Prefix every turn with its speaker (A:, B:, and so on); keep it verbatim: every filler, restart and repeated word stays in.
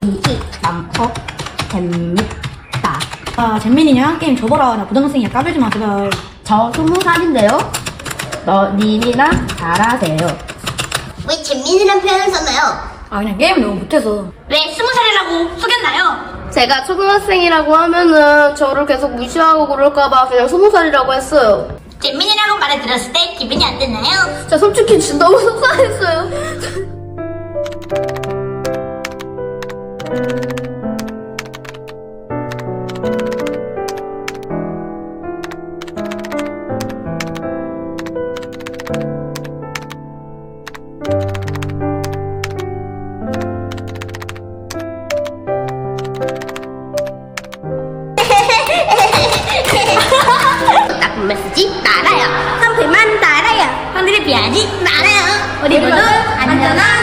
A: 이 많고 재밌다.
B: 아, 잼민이냐? 게임 접어라. 나 고등학생이야. 까불지 마, 제발.
A: 저 스무 살인데요. 너 님이나 잘하세요.
C: 왜 잼민이란 표현을 썼나요?
B: 아, 그냥 게임 너무 못해서.
C: 왜 스무 살이라고 속였나요?
D: 제가 초등학생이라고 하면은 저를 계속 무시하고 그럴까봐 그냥 스무 살이라고 했어요.
C: 잼민이라고 말을 들었을 때 기분이 어땠나요?
D: 진짜 솔직히 진짜 너무 속상했어요.
C: 나쁜 말 쓰지 말아요.
A: 상태만 달아요.
C: 하늘에 비하지 말아요.
A: 우리 모두 안전한